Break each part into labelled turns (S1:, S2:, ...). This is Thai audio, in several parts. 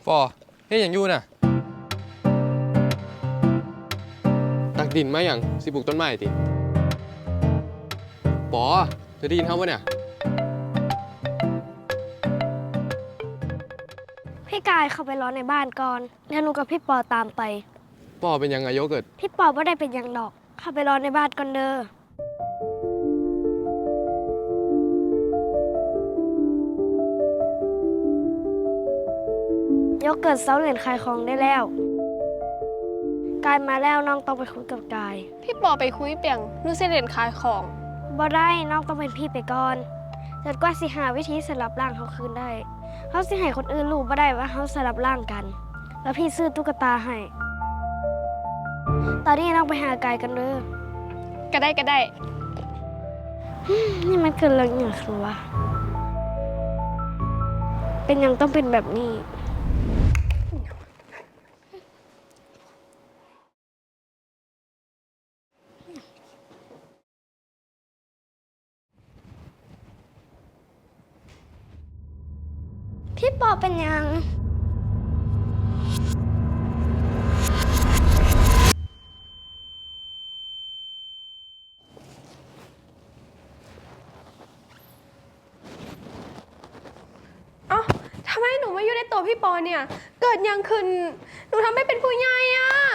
S1: ปอเฮ้ยอย่างยู่น่ะตักดินมาอย่างสิปลูกต้นไม้ติปอเธอได้ยินเขาปะเนี่ย
S2: พี่กายเข้าไปรอในบ้านก่อนแล้วหนูกับพี่ปอตามไป
S1: ปอเป็นยังไงโยเกิร์ต
S2: พี่ปอไม่ได้เป็นอย่างดอกเข้าไปรอในบ้านก่อนเด้อโยเกิร์ตเซาเหรียญขายของได้แล้วกายมาแล้วน้องต้องไปคุยกับกาย
S3: พี่ปอไปคุยเปียงนูเสเด่นขายของ
S2: บ่ได้น้องต้องเป็นพี่ไปก่อนจนกว่าสิหาวิธีสลับร่างเขาคืนได้เขาสิให้คนอื่นรู้บ่ได้ว่าเขาสลับร่างกัน แล้วพี่ซื้อตุ๊กตาให้ตอนนี้น้องไปหากายกันเด้อ
S3: ก็ได้
S2: นี่มันเกิดเรื่องอย่างคือวะเป็นยังต้องเป็นแบบนี้พี่ปอเป็นยัง
S3: เอ้าทำไมหนูมาอยู่ในตัวพี่ปอเนี่ย เกิดยังขึ้น หนูทำให้เป็นผู้ใหญ่อะ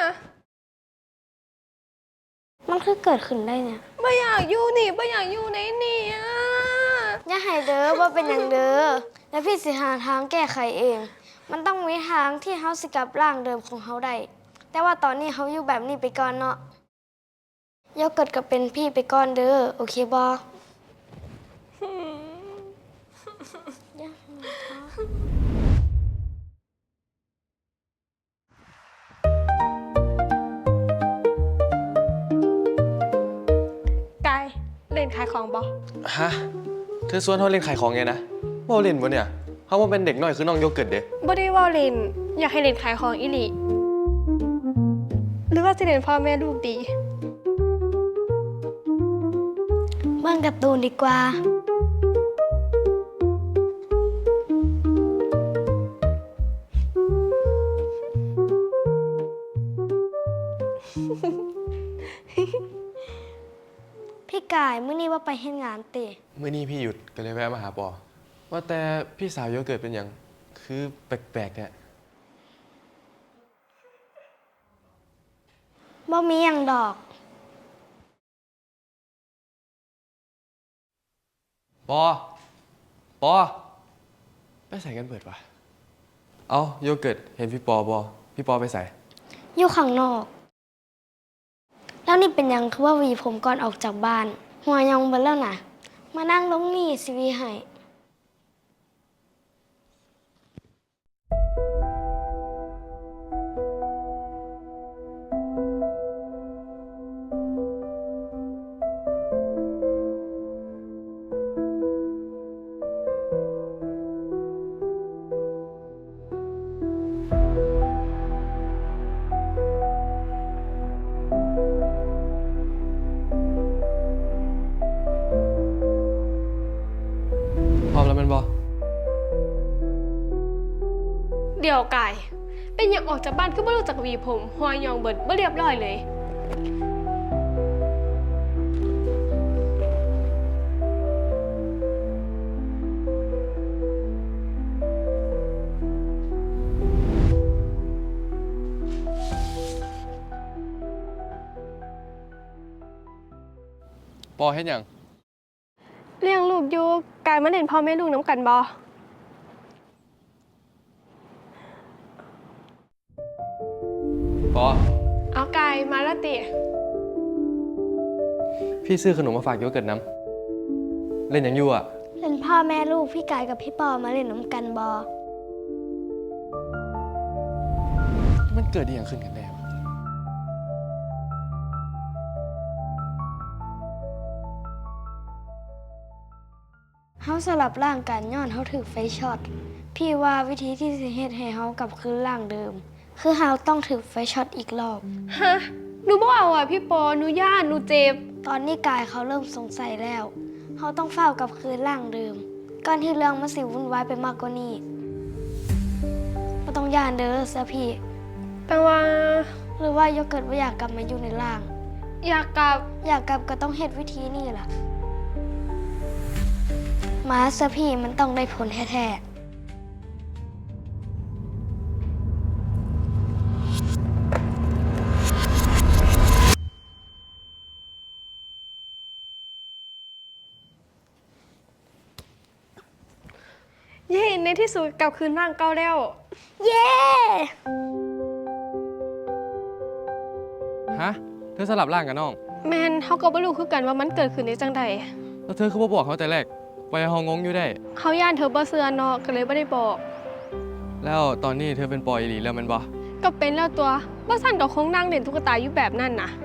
S2: มันคือเกิดขึ้นได้เนี่ย
S3: ไม่อยากอยู่นี่ไม่อยากอยู่ในนี่อะ
S2: อย่าให้เด้อว่าเป็นอย่างเด้อแล้วพี่สิหาทางแก้ไขเอง มันต้องมีทางที่เฮาสิกลับร่างเดิมของเฮาได้ แต่ว่าตอนนี้เฮาอยู่แบบนี้ไปก่อนเนาะโยเกิร์ตก็เป็นพี่ไปก่อนเด้อโอเคบ่อย่าให้ท้อ
S3: กายเล่นขายของบอ
S1: ฮะเธอชวนเขาเล่นขายของไงนะว่าเล่นปะเนี่ยเขาว่าเป็นเด็กน้อยคือน้องโยเกิร์ตเด้
S3: บ่ได้ว่าเล่น อยากให้เล่นขายของอีหลีหรือว่าจะเล่นพ่อแม่ลูกดี
S2: เบิ่งการ์ตูนดีกว่า พี่กายมื้อนี้ว่าไปเฮ็ดงานติ
S1: เมื่อนี้พี่หยุดก็เลยแวะมาหาปอว่าแต่พี่สาวโยเกิร์ตเป็นยังคือแปลกๆเนี่ย
S2: บ่มีหยังดอก
S1: ปอไปใส่กันเปิดวะเอาโยเกิร์ตเห็นพี่ปอพี่ปอไปใส่
S2: อยู่ข้างนอก แล้วนี่เป็นหยังคือว่าหวีผมก่อนออกจากบ้าน หัวยองเบิดแล้วนะมานั่งลงนี่สิหวีให้
S1: พร้อมแล้วแมันบอ
S3: เดี๋ยวกาย เป็นอย่างออกจากบ้านคือบ่รู้จักหวีผมหัวยองเบิดบ่เรียบร้อยเลย
S1: ปอเห็นยัง
S3: เลี้ยงลูกอยู่กายมาเล่นพ่อแม่ลูกน้ำกันบอ
S1: ปอ
S3: เอากายมาและติ
S1: พี่ซื้อขนมมาฝากโยเกิร์ตน้ำเล่นยังอยู่อ่ะ
S2: เล่นพ่อแม่ลูกพี่กายกับพี่ปอมาเล่นน้ำกันบอ
S1: มันเกิดอย่างขึ้นกันแน่วะ
S2: เฮาสลับร่างกันย้อนเฮาถูกไฟช็อต พี่ว่าวิธีที่สิเฮ็ดให้เฮากลับคืนร่างเดิม คือเฮาต้องถูกไฟช็อตอีกรอบ
S3: ฮะ หนูบ่เอาอ่ะพี่ปอ หนูย่านหนูเจ็บ
S2: ตอนนี้กายเขาเริ่มสงสัยแล้ว เขาต้องเฝ้ากลับคืนร่างเดิม ก่อนที่เรื่องมันสิวุ่นวายไปมากกว่านี้บ่ต้องย่านเด้อซะพี่
S3: แต่ว่า
S2: หรือว่าโยเกิร์ตว่าอยากกลับมาอยู่ในร่าง
S3: อยากกลับ
S2: อยากกลับก็ต้องเฮ็ดวิธีนี่ล่ะมาซะพี่มันต้องได้ผลแท้ๆ
S3: เย้ในที่สุดกลับคืนร่างเก่าแล้ว
S2: เย้
S1: ฮะ เธอสลับร่างกับน้อง
S3: แมนเขาก็บ่รู้คือกันว่ามันเกิดขึ้นได้จังใด
S1: แล้วเธอคือบ่บอกเขาแต่แรกปล่อยให้เขางงอยู่ได้
S3: เขาย่านเธอบ่เชื่อเนาะก็เลยบ่ได้บอก
S1: แล้วตอนนี้เธอเป็นปอยอีหลีแล้วแมันบ่
S3: ก็เป็นแล้วตัวบ่ซั่นก็คงนั่งเล่นตุ๊กตาอยู่แบบนั้นน่ะ